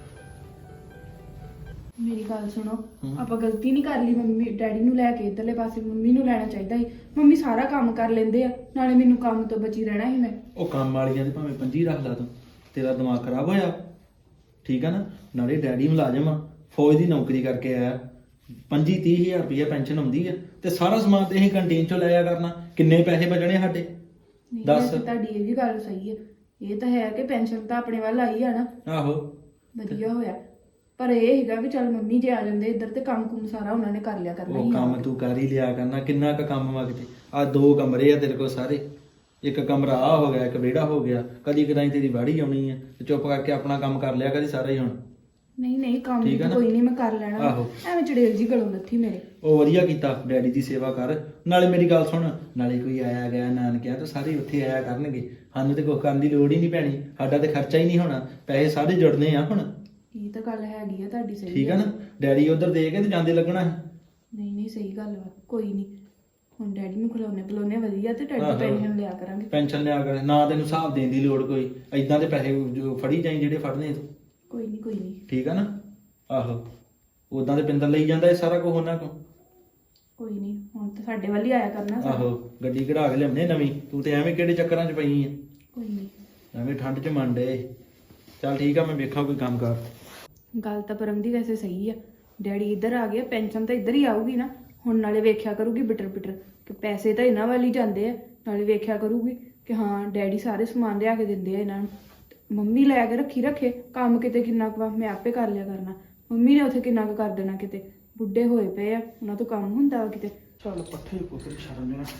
D: ਮੇਰੀ ਗੱਲ ਸੁਣੋ ਆਪਾਂ ਗਲਤੀ ਨਹੀਂ ਕਰ ਲਈ ਮੰਮੀ ਡੈਡੀ ਨੂੰ ਲੈ ਕੇ ਇਧਰਲੇ ਪਾਸੇ ਮੰਮੀ ਨੂੰ ਲੈਣਾ ਚਾਹੀਦਾ ਸੀ ਮੰਮੀ ਸਾਰਾ ਕੰਮ ਕਰ ਲੈਂਦੇ ਆ ਨਾਲੇ ਮੈਨੂੰ ਕੰਮ ਤੋਂ ਬਚੀ ਰਹਿਣਾ ਸੀ ਮੈਂ
E: ਉਹ ਕੰਮ ਵਾਲੀਆਂ ਤੇ ਭਾਵੇਂ ਪੰਜੀ ਰੱਖ ਲਾ ਤੂੰ ਤੇਰਾ ਦਿਮਾਗ ਖਰਾਬ ਹੋਇਆ ਠੀਕ ਆ ਨਾ ਨਾਲੇ ਡੈਡੀ ਮੁਲਾਜ਼ਮ ਆ ਫੌਜ ਦੀ ਨੌਕਰੀ ਕਰਕੇ ਆਇਆ ਪੰਜੀ ਤੀਹ ਹਜ਼ਾਰ ਰੁਪਇਆ ਪੈਨਸ਼ਨ ਆਉਂਦੀ ਆ ਤੇ ਸਾਰਾ ਸਮਾਨ ਤੇ ਅਸੀਂ ਕੰਟੀਨ ਚੋਂ ਲਿਆ ਕਰਨਾ ਕਿੰਨੇ ਪੈਸੇ ਬਚਣੇ ਸਾਡੇ
D: ਨਹੀਂ
E: ਦੱਸ।
D: ਵੈਸੇ ਤੁਹਾਡੀ ਇਹ ਵੀ ਗੱਲ ਸਹੀ ਹੈ ਇਹ ਤਾਂ ਹੈ ਕਿ ਪੈਨਸ਼ਨ ਤਾਂ ਆਪਣੇ ਵੱਲ ਆਈ ਆ ਨਾ
E: ਆਹੋ
D: ਵਧੀਆ ਹੋਇਆ ਪਰ ਇਹ ਹੈਗਾ ਵੀ ਚੱਲ ਮੰਮੀ ਜੇ ਆ ਜਾਂਦੇ ਇੱਧਰ ਤੇ ਕੰਮ ਕੁਮ ਸਾਰਾ ਉਹਨਾਂ ਨੇ ਕਰ ਲਿਆ ਕਰਨਾ
E: ਉਹ
D: ਹੀ
E: ਕੰਮ
D: ਆ।
E: ਤੂੰ ਕਰ ਹੀ ਲਿਆ ਕਰਨਾ ਕਿੰਨਾ ਕੁ ਕੰਮ ਵਾ ਕਿਤੇ ਆ ਦੋ ਕਮਰੇ ਆ ਤੇਰੇ ਕੋਲ ਸਾਰੇ ਇੱਕ ਕਮਰਾ ਆ ਹੋ ਗਿਆ ਇੱਕ ਵਿਹੜਾ ਹੋ ਗਿਆ ਕਦੀ ਕਦਾਈ ਤੇਰੀ ਵਾੜੀ ਆਉਣੀ ਆ ਤੇ ਚੁੱਪ ਕਰਕੇ ਆਪਣਾ ਕੰਮ ਕਰ ਲਿਆ ਕਦੀ ਸਾਰਾ ਹੀ ਹੁਣ
D: ਨਹੀਂ ਨਹੀਂ ਕੰਮ
E: ਠੀਕ ਆ
D: ਤਾਂ
E: ਨਾ?
D: ਕੋਈ ਨਹੀਂ ਮੈਂ ਕਰ ਲੈਣਾ ਵਾ।
E: ਆਹੋ।
D: ਐਵੇਂ ਚੜੇਲ ਜੀ ਗਲੋਂ ਲੱਥੀ ਮੇਰੇ।
E: ਉਹ ਵਧੀਆ ਕੀਤਾ, ਡੈਡੀ ਦੀ ਸੇਵਾ ਕਰ। ਨਾਲੇ ਮੇਰੀ ਗੱਲ ਸੁਣ, ਨਾਲੇ ਕੋਈ ਆਇਆ ਗਿਆ ਨਾਨਕਿਆ ਤਾਂ ਸਾਰੇ ਉੱਥੇ ਆਇਆ ਕਰਨਗੇ, ਸਾਨੂੰ ਤੇ ਕੁਛ ਕਰਨ ਦੀ ਲੋੜ ਹੀ ਨਹੀਂ ਪੈਣੀ, ਸਾਡਾ ਤੇ ਖਰਚਾ ਹੀ ਨਹੀਂ ਹੋਣਾ, ਪੈਸੇ ਸਾਰੇ ਜੁੜਨੇ ਆ ਹੁਣ।
D: ਇਹ ਤਾਂ ਗੱਲ ਹੈਗੀ ਆ ਤੁਹਾਡੀ ਸਹੀ।
E: ਠੀਕ ਆ ਨਾ? ਡੈਡੀ ਉਧਰ ਦੇ ਕੇ ਤੇ ਜਾਂਦੇ ਲੱਗਣਾ ਹੈ।
D: ਨਹੀਂ ਨਹੀਂ ਸਹੀ ਗੱਲ ਵਾ, ਕੋਈ ਨਹੀਂ ਹੁਣ ਡੈਡੀ ਨੂੰ ਖਿਲਾਉਣੇ ਪਿਲਾਉਣੇ ਵਧੀਆ ਤੇ ਡੈਡੀ
E: ਆਹੋ।
D: ਪੈਨਸ਼ਨ ਲਿਆ ਕਰਾਂਗੇ।
E: ਪੈਨਸ਼ਨ ਲਿਆ ਕਰ, ਨਾ ਤੈਨੂੰ ਹਿਸਾਬ ਦੇਣ ਦੀ ਲੋੜ ਕੋਈ, ਐਦਾਂ ਦੇ ਪੈਸੇ ਜੋ ਫੜੀ ਜਾਈ ਜਿਹੜੇ ਫੜਨੇ ਤੂੰ।
D: ਕੋਈ ਨਹੀਂ ਕੋਈ ਨਹੀਂ
E: ਠੀਕ ਆ ਨਾ? ਆਹੋ, ਉਦਾਂ ਤੇ ਪਿੰਦਰ ਲਈ ਜਾਂਦਾ ਇਹ ਸਾਰਾ ਕੁਝ ਉਹਨਾਂ ਕੋਲ।
D: ਕੋਈ ਨਹੀਂ ਹੁਣ ਤਾਂ ਸਾਡੇ ਵੱਲ ਹੀ ਆਇਆ ਕਰਨਾ ਸਾਰਾ।
E: ਆਹੋ, ਗੱਡੀ ਕਢਾ ਕੇ ਲਿਆਉਣੇ ਨਵੀਂ, ਤੂੰ ਤੇ ਐਵੇਂ ਕਿਹੜੇ ਚੱਕਰਾਂ 'ਚ ਪਈ ਆ,
D: ਕੋਈ ਨਹੀਂ
E: ਐਵੇਂ ਠੰਡ 'ਚ ਮੰਨ ਡੇ। ਚੱਲ ਠੀਕ ਆ, ਮੈਂ ਵੇਖਾਂ ਕੋਈ ਕੰਮ ਕਰ।
D: ਗੱਲ ਤਾਂ ਪਰਮ ਦੀ ਵੈਸੇ ਸਹੀ ਆ, ਡੈਡੀ ਇੱਧਰ ਆ ਗਿਆ, ਪੈਨਸ਼ਨ ਤਾਂ ਇੱਧਰ ਹੀ ਆਊਗੀ ਨਾ। ਹੁਣ ਨਾਲੇ ਵੇਖਿਆ ਕਰੂਗੀ ਬਿਟਰ ਬਿਟਰ ਕਿ ਪੈਸੇ ਤਾਂ ਇਹਨਾਂ ਵੱਲ ਹੀ ਜਾਂਦੇ ਆ, ਨਾਲੇ ਵੇਖਿਆ ਕਰੂਗੀ ਕਿ ਹਾਂ ਡੈਡੀ ਸਾਰੇ ਸਮਾਨ ਲਿਆ ਕੇ ਦਿੰਦੇ ਆ ਇਹਨਾਂ ਨੂੰ। ਮੰਮੀ ਲੈ ਕੇ ਰੱਖੀ ਰੱਖੇ ਕੰਮ, ਕਿਤੇ ਕਿੰਨਾ ਕੁ ਵਾ ਮੈਂ ਆਪੇ ਕਰ ਲਿਆ ਕਰਨਾ, ਮੰਮੀ ਨੇ ਉੱਥੇ ਕਿੰਨਾ ਕੁ ਕਰ ਦੇਣਾ, ਕਿਤੇ ਬੁੱਢੇ ਹੋਏ ਪਏ ਆ ਉਹਨਾਂ ਤੋਂ ਕੰਮ ਹੁੰਦਾ ਵਾ ਕਿਤੇ।
F: ਚੱਲ ਪੱਠੇ ਪੁੱਤਰ ਸ਼ਰਮ ਨਾ।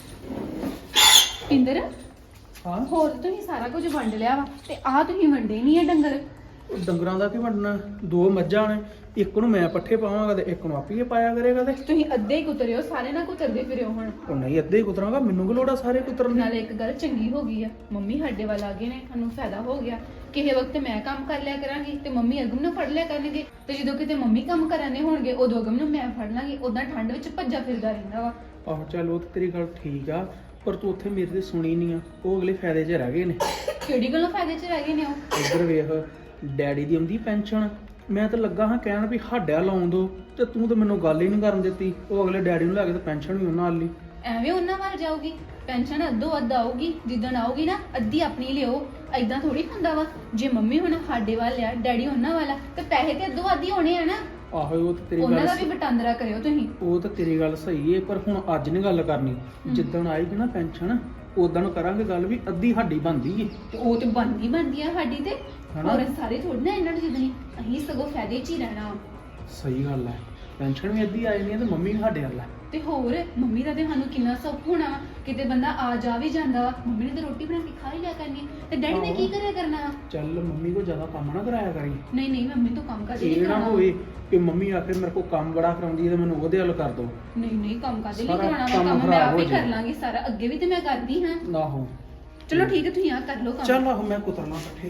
A: ਇੰਦਰ
F: ਹਾਂ
A: ਹੋਰ ਤੁਸੀਂ ਸਾਰਾ ਕੁਝ ਵੰਡ ਲਿਆ ਵਾ ਤੇ ਆਹ ਤੁਸੀਂ ਵੰਡੇ ਨਹੀਂ ਆ ਡੰਗਰ।
F: ਉਹ ਡੰਗਰਾਂ ਦਾ ਕੀ ਵੰਡਣਾ, ਦੋ ਮੱਝਾਂ ਨੇ, ਇੱਕ ਨੂੰ ਮੈਂ ਪੱਠੇ ਪਾਵਾਂਗਾ ਤੇ ਇੱਕ ਨੂੰ ਆਪੇ ਪਾਇਆ ਕਰੇਗਾ। ਤੇ
A: ਤੁਸੀਂ ਅੱਧੇ ਹੀ ਕੁਤਰਿਓ, ਸਾਰੇ ਨਾ ਕੁਤਰਦੇ ਫਿਰਿਓ ਹੁਣ।
F: ਉਹ ਨਹੀਂ ਅੱਧੇ ਹੀ ਕੁਤਰਾਂਗਾ, ਮੈਨੂੰ ਕੀ ਲੋੜ ਆ ਸਾਰੇ ਕੁਤਰਨ ਦੀ।
A: ਨਾਲੇ ਇੱਕ ਗੱਲ ਚੰਗੀ ਹੋ ਗਈ ਆ, ਮੰਮੀ ਸਾਡੇ ਵੱਲ ਆ ਗਏ ਨੇ, ਸਾਨੂੰ ਫਾਇਦਾ ਹੋ ਗਿਆ। ਕਿਸੇ ਵਕਤ ਮੈਂ ਕੰਮ ਕਰ ਲਿਆ ਕਰਾਂਗੀ ਤੇ ਮੰਮੀ ਅਗਮ ਨੂੰ ਫੜ ਲਿਆ ਕਰਨਗੇ, ਤੇ ਜਦੋਂ ਕਿਤੇ ਮੰਮੀ ਕੰਮ ਕਰਾਣੇ ਹੋਣਗੇ ਉਦੋਂ ਅਗਮ ਨੂੰ ਮੈਂ ਫੜ ਲਾਂਗੀ। ਉਦਾਂ ਠੰਡ ਵਿੱਚ ਭੱਜਾ ਫਿਰਦਾ ਰਹਿੰਦਾ ਵਾ।
F: ਆਹੋ ਚੱਲ ਉਹ ਤੇ ਤੇਰੀ ਗੱਲ ਠੀਕ ਆ, ਪਰ ਤੂੰ ਉੱਥੇ ਮੇਰੇ ਤੇ ਸੁਣੀ ਨਹੀਂ ਆ। ਉਹ ਅਗਲੇ ਫਾਇਦੇ 'ਚ ਰਹਿ ਗਏ ਨੇ।
A: ਕਿਹੜੀ ਗੱਲੋਂ ਫਾਇਦੇ 'ਚ ਰਹਿ ਗਏ ਨੇ ਉਹ?
F: ਇੱਧਰ ਵੇਖ, ਡੈਡੀ ਦੀ ਆਉਂਦੀ ਪੈਨਸ਼ਨ, ਮੈਂ ਤਾਂ ਲੱਗਾ ਹਾਂ ਕਹਿਣ ਵੀ ਸਾਡਾ ਲਾਉਣ ਦੋ, ਤੇ ਤੂੰ ਤਾਂ ਮੈਨੂੰ ਗੱਲ ਹੀ ਨਹੀਂ ਕਰਨ ਦਿੱਤੀ। ਉਹ ਅਗਲੇ ਡੈਡੀ ਨੂੰ ਲੈ ਕੇ ਤੇ ਪੈਨਸ਼ਨ ਵੀ ਉਹਨਾਂ ਨਾਲ ਲਈ।
A: ਐਵੇਂ ਉਹਨਾਂ ਵੱਲ ਜਾਊਗੀ, ਪੈਨਸ਼ਨ ਅੱਧੋ ਅੱਧ ਆਊਗੀ, ਜਿੱਦਣ ਆਊਗੀ ਨਾ ਅੱਧੀ ਆਪਣੀ ਲਿਓ। ਐਦਾਂ ਥੋੜੀ ਹੁੰਦਾ ਵਾ, ਜੇ ਮੰਮੀ ਹੁਣ ਸਾਡੇ ਵੱਲ ਆ, ਡੈਡੀ ਉਹਨਾਂ ਵਾਲਾ, ਤੇ ਪੈਸੇ ਤੇ ਅੱਧੋ ਅੱਧ ਹੀ ਹੋਣੇ ਆ ਨਾ।
F: ਆਹੋ ਉਹ ਤੇ ਤੇਰੀ
A: ਉਹਨਾਂ
F: ਗੱਲ
A: ਦਾ ਵੀ ਵਟਾਂਦਰਾ ਕਰਿਓ ਤੁਸੀਂ।
F: ਉਹ ਤਾਂ ਤੇਰੀ ਗੱਲ ਸਹੀ ਏ, ਪਰ ਹੁਣ ਅੱਜ ਨਹੀਂ ਗੱਲ ਕਰਨੀ। ਜਿੱਦਣ ਆਏਗੀ ਨਾ ਪੈਨਸ਼ਨ, ਉਦੋਂ ਕਰਾਂਗੇ ਗੱਲ ਵੀ ਅੱਧੀ ਸਾਡੀ ਬਣਦੀ ਏ।
A: ਤੇ ਉਹ ਤੇ ਬਣਦੀ ਬਣਦੀ ਆ ਸਾਡੀ ਤੇ,
F: ਹਨਾ?
A: ਹੋਰ ਸਾਰੇ ਥੋੜੀ ਨਾ ਇਹਨਾਂ ਨੂੰ ਜਿੱਦਣੀ, ਅਸੀਂ ਸਗੋਂ ਫਾਇਦੇ 'ਚ ਹੀ ਰਹਿਣਾ ਵਾ।
F: ਸਹੀ ਗੱਲ ਹੈ, ਪੈਨਸ਼ਨ ਵੀ ਅੱਧੀ ਆ ਜਾਣੀ ਹੈ ਤੇ ਮੰਮੀ ਵੀ ਸਾਡੇ ਵੱਲ ਹੈ।
A: ਤੇ ਹੋਰ ਮੰਮੀ ਦਾ ਤੇ ਸਾਨੂੰ ਕਿੰਨਾ ਸੁੱਖ ਹੋਣਾ ਵਾ, ਕਿਤੇ ਬੰਦਾ ਆ ਜਾ ਵੀ ਜਾਂਦਾ ਵਾ, ਮੰਮੀ ਨੇ ਤੇ ਰੋਟੀ ਬਣਾ ਕੇ ਖਾ ਹੀ ਲਿਆ ਕਰਨੀ, ਤੇ ਡੈਡੀ ਨੇ ਕੀ ਕਰਿਆ ਕਰਨਾ ਵਾ?
F: ਚੱਲ ਮੰਮੀ ਕੋ ਜ਼ਿਆਦਾ ਕੰਮ ਨਾ ਕਰਾਇਆ ਕਰੀ।
A: ਨਹੀਂ ਨਹੀਂ ਮੰਮੀ ਤੋਂ ਕੰਮ ਕਰਦੇ
F: ਇਹ
A: ਨਹੀਂ
F: ਨਾ
A: ਕਰਾਉਣਾ।
F: ਹੋਵੇ ਕਿ ਮੰਮੀ ਆਖੇ ਮੇਰੇ ਕੋ ਕੰਮ ਬੜਾ ਕਰਾਉਂਦੀ ਹੈ ਤੇ ਮੈਨੂੰ ਉਹਦੇ ਵੱਲ ਕਰ ਦੋ।
A: ਨਹੀਂ ਨਹੀਂ ਕੰਮ ਕਾਦੇ ਲਈ
F: ਸਾਰਾ
A: ਕਰਾਉਣਾ ਵਾ?
F: ਕੰਮ
A: ਕੰਮ ਮੈਂ
F: ਖਰਾਬ
A: ਆਪ ਹੀ
F: ਹੋ
A: ਕਰ
F: ਜਾਏ।
A: ਲਾਂਗੀ ਸਾਰਾ, ਅੱਗੇ ਵੀ ਤੇ ਮੈਂ ਕਰਦੀ ਹਾਂ।
F: ਆਹੋ
A: ਚਲੋ ਠੀਕ ਹੈ, ਤੁਸੀਂ ਆ ਕਰ ਲਓ ਕੰਮ।
F: ਚੱਲ ਆਹੋ ਮੈਂ ਕੁਤਰਨਾ ਪੱਠੇ।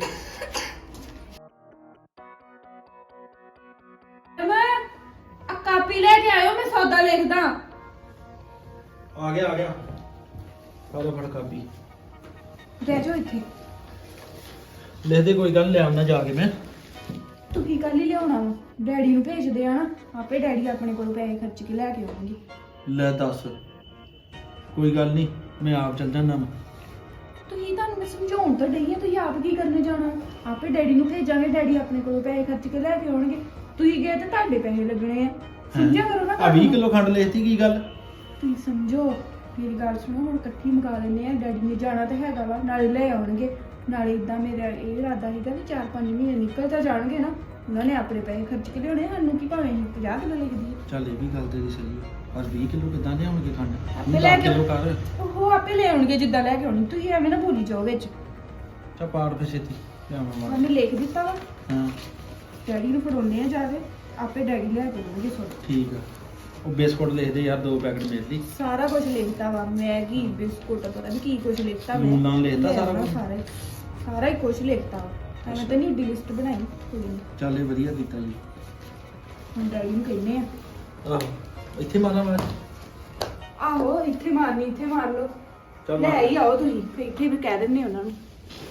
D: ਮੈਂ ਆ ਕਾਪੀ ਲੈ ਕੇ ਆਇਓ, ਮੈਂ ਸੌਦਾ ਲਿਖਦਾ।
E: ਆ ਗਿਆ ਆ ਗਿਆ, ਆ ਲੋ ਫੜ ਕਾਪੀ,
D: ਰਹਿ ਜਾਓ ਇੱਥੇ।
E: ਲਿਖ ਦੇ, ਕੋਈ ਗੱਲ ਨੀ, ਲੈ ਆਉਣਾ ਜਾ ਕੇ ਮੈਂ।
D: ਤੂੰ ਕੀ ਕੱਲ ਹੀ ਲਿਆਉਣਾ ਵਾ? ਡੈਡੀ ਨੂੰ ਭੇਜਦੇ ਆ ਨਾ, ਆਪੇ ਡੈਡੀ ਆਪਣੇ ਕੋਲ ਪੈਸੇ ਖਰਚ ਕੇ ਲੈ ਕੇ ਆਉਣਗੇ।
E: ਲੈ ਦੱਸ, ਕੋਈ ਗੱਲ ਨਹੀਂ, ਮੈਂ ਆਪ ਚੱਲ ਜਾਣਾ ਵਾ।
D: ਤੁਸੀਂ ਤੁਹਾਨੂੰ ਮੈਂ ਸਮਝਾਉਣ ਤਾਂ ਡਈ ਆ, ਤੁਸੀਂ ਆਪ ਕੀ ਕਰਨੇ ਜਾਣਾ? ਆਪੇ ਡੈਡੀ ਨੂੰ ਭੇਜਾਂਗੇ, ਡੈਡੀ ਆਪਣੇ ਕੋਲੋਂ ਪੈਸੇ ਖਰਚ ਕੇ ਲੈ ਕੇ ਆਉਣਗੇ। ਤੁਸੀਂ ਗਏ ਤੇ ਤੁਹਾਡੇ ਪੈਸੇ ਲੱਗਣੇ ਆ, ਸਮਝਿਆ ਕਰੋ ਨਾ।
E: ਆ ਵੀਹ ਕਿਲੋ ਖੰਡ ਲਿਖਤੀ, ਕੀ ਗੱਲ?
D: ਤੁਸੀਂ ਸਮਝੋ, ਮੇਰੀ ਗੱਲ ਸੁਣੋ, ਹੁਣ ਇਕੱਠੀ ਮੁਕਾ ਲੈਂਦੇ ਆ। ਡੈਡੀ ਨੇ ਜਾਣਾ ਤਾਂ ਹੈਗਾ ਵਾ, ਨਾਲੇ ਲੈ ਆਉਣਗੇ, ਨਾਲੇ ਇਦਾਂ ਮੇਰਾ ਇਹ ਇਰਾਦਾ ਸੀਗਾ ਵੀ ਚਾਰ ਪੰਜ ਮਹੀਨੇ ਨਿਕਲ ਤਾਂ ਜਾਣਗੇ ਨਾ, ਉਹਨਾਂ ਨੇ ਆਪਣੇ ਪੈਸੇ ਖਰਚ ਕੇ ਲਿਆਉਣੇ, ਸਾਨੂੰ ਕੀ ਭਾਵੇਂ ਅਸੀਂ ਪੰਜਾਹ ਕਿਲੋ ਲਿਖ ਦਈਏ।
E: ਚੱਲ ਇਹ ਵੀ ਗੱਲ ਤੇਰੀ ਸਹੀ ਹੈ, ਪਰ ਵੀਹ ਕਿਲੋ ਕਿੱਦਾਂ ਲਿਆਉਣਗੇ ਖੰਡ?
D: ਆਪੇ ਲੈ ਕੇ
E: ਕਿਲੋ ਕਰ।
D: ਉਹ ਆਪੇ ਲੈ ਆਉਣਗੇ ਜਿੱਦਾਂ ਲੈ ਕੇ ਆਉਣੀ, ਤੁਸੀਂ ਐਵੇਂ ਨਾ ਭੁੱਲੀ ਜਾਓ ਵਿੱਚ।
E: ਚਾ ਪਾੜ ਫੇ ਛੇਤੀ ਲਿਆਵਾਂ ਮਾਰ।
D: ਉਹਨੇ ਲਿਖ ਦਿੱਤਾ ਵਾ,
E: ਹਾਂ
D: ਡੈਡੀ ਨੂੰ ਫੜਾਉਣੇ ਆ ਜਾ ਕੇ, ਆਪੇ ਡੈਡੀ ਲੈ ਕੇ ਆਉਣਗੇ ਸੋਡਾ।
E: ਠੀਕ ਆ, ਉਹ ਬਿਸਕੁਟ ਲਿਖ ਦੇ ਯਾਰ, ਦੋ ਪੈਕਟ ਮੇਥੀ।
D: ਸਾਰਾ ਕੁਝ ਲਿਖਤਾ ਵਾ, ਮੈਗੀ ਬਿਸਕੁਟ ਪਤਾ ਨਹੀਂ ਕੀ ਕੁਝ ਲਿਖਤਾ ਮੈਂ।
E: ਲੂਣ ਲਾਣ ਲਿਖਤਾ ਸਾਰਾ ਕੁਝ?
D: ਸਾਰਾ ਹੀ ਸਾਰਾ ਹੀ ਕੁਝ ਲਿਖਤਾ ਵਾ, ਐਵੇਂ ਤਾਂ ਨਹੀਂ ਏਡੀ ਲਿਸਟ ਬਣਾਈ ਕੋਈ ਨਹੀਂ।
E: ਚੱਲ ਇਹ ਵਧੀਆ ਕੀਤਾ ਜੀ।
D: ਹੁਣ ਡੈਡੀ ਨੂੰ ਕਹਿੰਦੇ ਆ।
E: ਆਹੋ, ਇੱਥੇ ਮਾਰਾਂ ਮੈਂ।
D: ਆਹੋ ਇੱਥੇ ਮਾਰਨੀ, ਇੱਥੇ ਮਾਰ ਲਓ,
E: ਚੱਲ
D: ਲੈ
E: ਮਾਰ।
D: ਹੀ ਆਓ ਤੁਸੀਂ, ਫਿਰ ਇੱਥੇ ਵੀ ਕਹਿ ਦਿੰਦੇ ਉਹਨਾਂ ਨੂੰ।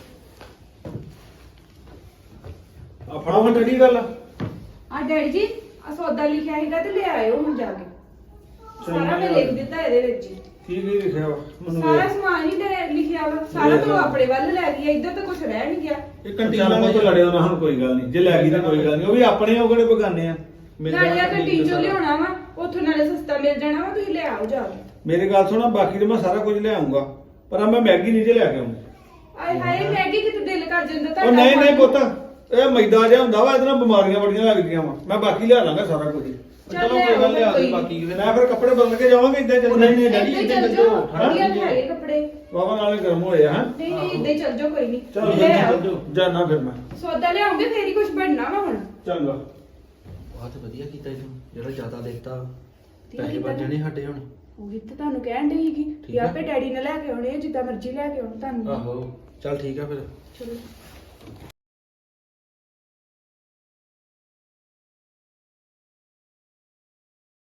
B: ਆ ਫੜੋ ਹਾਂ ਡੈਡੀ ਗੱਲ।
D: ਆ ਡੈਡੀ ਜੀ, ਆ ਸੌਦਾ ਲਿਖਿਆ ਹੈਗਾ ਤੇ ਲੈ ਆਇਓ ਹੁਣ ਜਾ ਕੇ। ਸਾਰਾ ਮੈਂ
B: ਚੰਗਾ
D: ਲਿਖ ਦਿੱਤਾ ਇਹਦੇ ਵਿੱਚ ਹੀ।
B: ਕੀ ਕੀ ਲਿਖਿਆ ਵਾ ਮੈਨੂੰ
D: ਸਾਰਾ
B: ਵੇਖ।
D: ਸਮਾਨ ਹੀ ਲੈ ਲਿਖਿਆ ਵਾ, ਸਾਰਾ ਤੋਂ ਆਪਣੇ ਵੱਲ ਲੈ ਗਿਆ, ਇੱਧਰ ਤਾਂ ਕੁਝ ਰਹਿ ਨਹੀਂ ਗਿਆ।
B: ਇਹ ਕੰਟੀਨ ਨਾਲ ਤੋਂ ਲੜਿਓ ਨਾ, ਹੁਣ ਕੋਈ ਗੱਲ ਨਹੀਂ, ਜੇ ਲੈ ਗਈ ਤਾਂ ਕੋਈ ਗੱਲ ਨਹੀਂ, ਉਹ ਵੀ ਆਪਣੇ ਉਹ ਕਿਹੜੇ ਬਗਾਨੇ ਆ। ਮੇਰੇ
D: ਨਾਲੇ ਆ
B: ਨਾਲ
D: ਕੰਟੀਨ ਚੋਂ
B: ਸਾਰਾ।
D: ਲਿਆਉਣਾ ਵਾ, ਉੱਥੋਂ ਨਾਲੇ ਸਸਤਾ ਮਿਲ ਜਾਣਾ ਵਾ, ਤੁਸੀਂ ਲੈ ਆਓ ਜਾ ਕੇ।
B: ਮੇਰੀ ਗੱਲ ਸੁਣਾ, ਬਾਕੀ ਤੇ ਮੈਂ ਸਾਰਾ ਕੁਝ ਲੈ ਆਉਂਗਾ, ਪਰ ਆ ਮੈਂ ਮੈਗੀ ਨਹੀਂ ਜੇ ਲੈ ਕੇ ਆਉਂਗਾ।
D: ਆਏ ਹਾਏ ਮੈਗੀ ਕਿਤੇ ਦਿਲ ਕਰ ਜਾਂਦਾ
B: ਉਹ ਨਹੀਂ ਨਹੀਂ ਪੁੱਤ, ਇਹ ਮੈਦਾ ਜਿਹਾ ਹੁੰਦਾ ਵਾ, ਇਹਦੇ ਨਾਲ ਬਿਮਾਰੀਆਂ ਬੜੀਆਂ ਲੱਗਦੀਆਂ ਵਾ, ਮੈਂ ਬਾਕੀ ਲਿਆ ਲਾਂਗਾ ਸਾਰਾ ਕੁਝ।
D: ਚੱਲ
E: ਚਲੋ
D: ਲੈ
E: ਕੋਈ ਗੱਲ ਨੀ, ਆ
D: ਆਓ,
E: ਦੇ
D: ਕੋਈ
E: ਬਾਕੀ ਫਿਰ।
B: ਮੈਂ ਫਿਰ ਕੱਪੜੇ ਬਦਲ ਕੇ ਜਾਵਾਂਗੇ, ਇੱਦਾਂ
E: ਉਹ
B: ਚੱਲ
E: ਨਹੀਂ ਨਹੀਂ ਡੈਡੀ
D: ਇੱਦਾਂ ਹੀ
E: ਇੱਥੇ
D: ਚੱਲ
E: ਚੱਲੋ।
D: ਜਾਓ, ਵਧੀਆ ਤਾਂ ਹੈਗੇ ਕੱਪੜੇ।
B: ਬਾਬਾ ਨਾਲੇ ਗਰਮ ਹੋਏ ਆ।
D: ਨਹੀਂ ਨਹੀਂ ਇੱਦਾਂ ਹੀ ਚੱਲ ਜਾਓ, ਕੋਈ ਨਹੀਂ
B: ਚਲ
D: ਲੈ ਆਓ।
B: ਜਾਨਾ ਫਿਰ ਮੈਂ।
D: ਸੌਦਾ ਲਿਆਉਂਗੇ ਫੇਰ ਹੀ ਕੁਝ ਬਣਨਾ ਵਾ ਹੁਣ।
B: ਚੰਗਾ।
E: ਆਹ ਤੇ ਵਧੀਆ ਕੀਤਾ ਇਹਨੂੰ ਜਿਹੜਾ ਜ਼ਿਆਦਾ ਦਿੱਤਾ
D: ਵਧੀਆ
E: ਪੈਸੇ
D: ਕੀਤਾ
E: ਬਚ ਜਾਣੇ ਸਾਡੇ ਹੁਣ
D: ਉਹ ਵੀ ਤਾਂ ਤੁਹਾਨੂੰ ਕਹਿਣ ਡਈ ਸੀਗੀ
E: ਠੀਕ
D: ਕਿ
E: ਆ।
D: ਆਪੇ ਡੈਡੀ ਨੇ ਲੈ ਕੇ ਆਉਣੇ ਆ, ਜਿੱਦਾਂ ਮਰਜ਼ੀ ਲੈ ਕੇ ਆਉਣ ਤੁਹਾਨੂੰ
E: ਆਹੋ ਚੱਲ ਠੀਕ ਆ ਫਿਰ
D: ਚਲੋ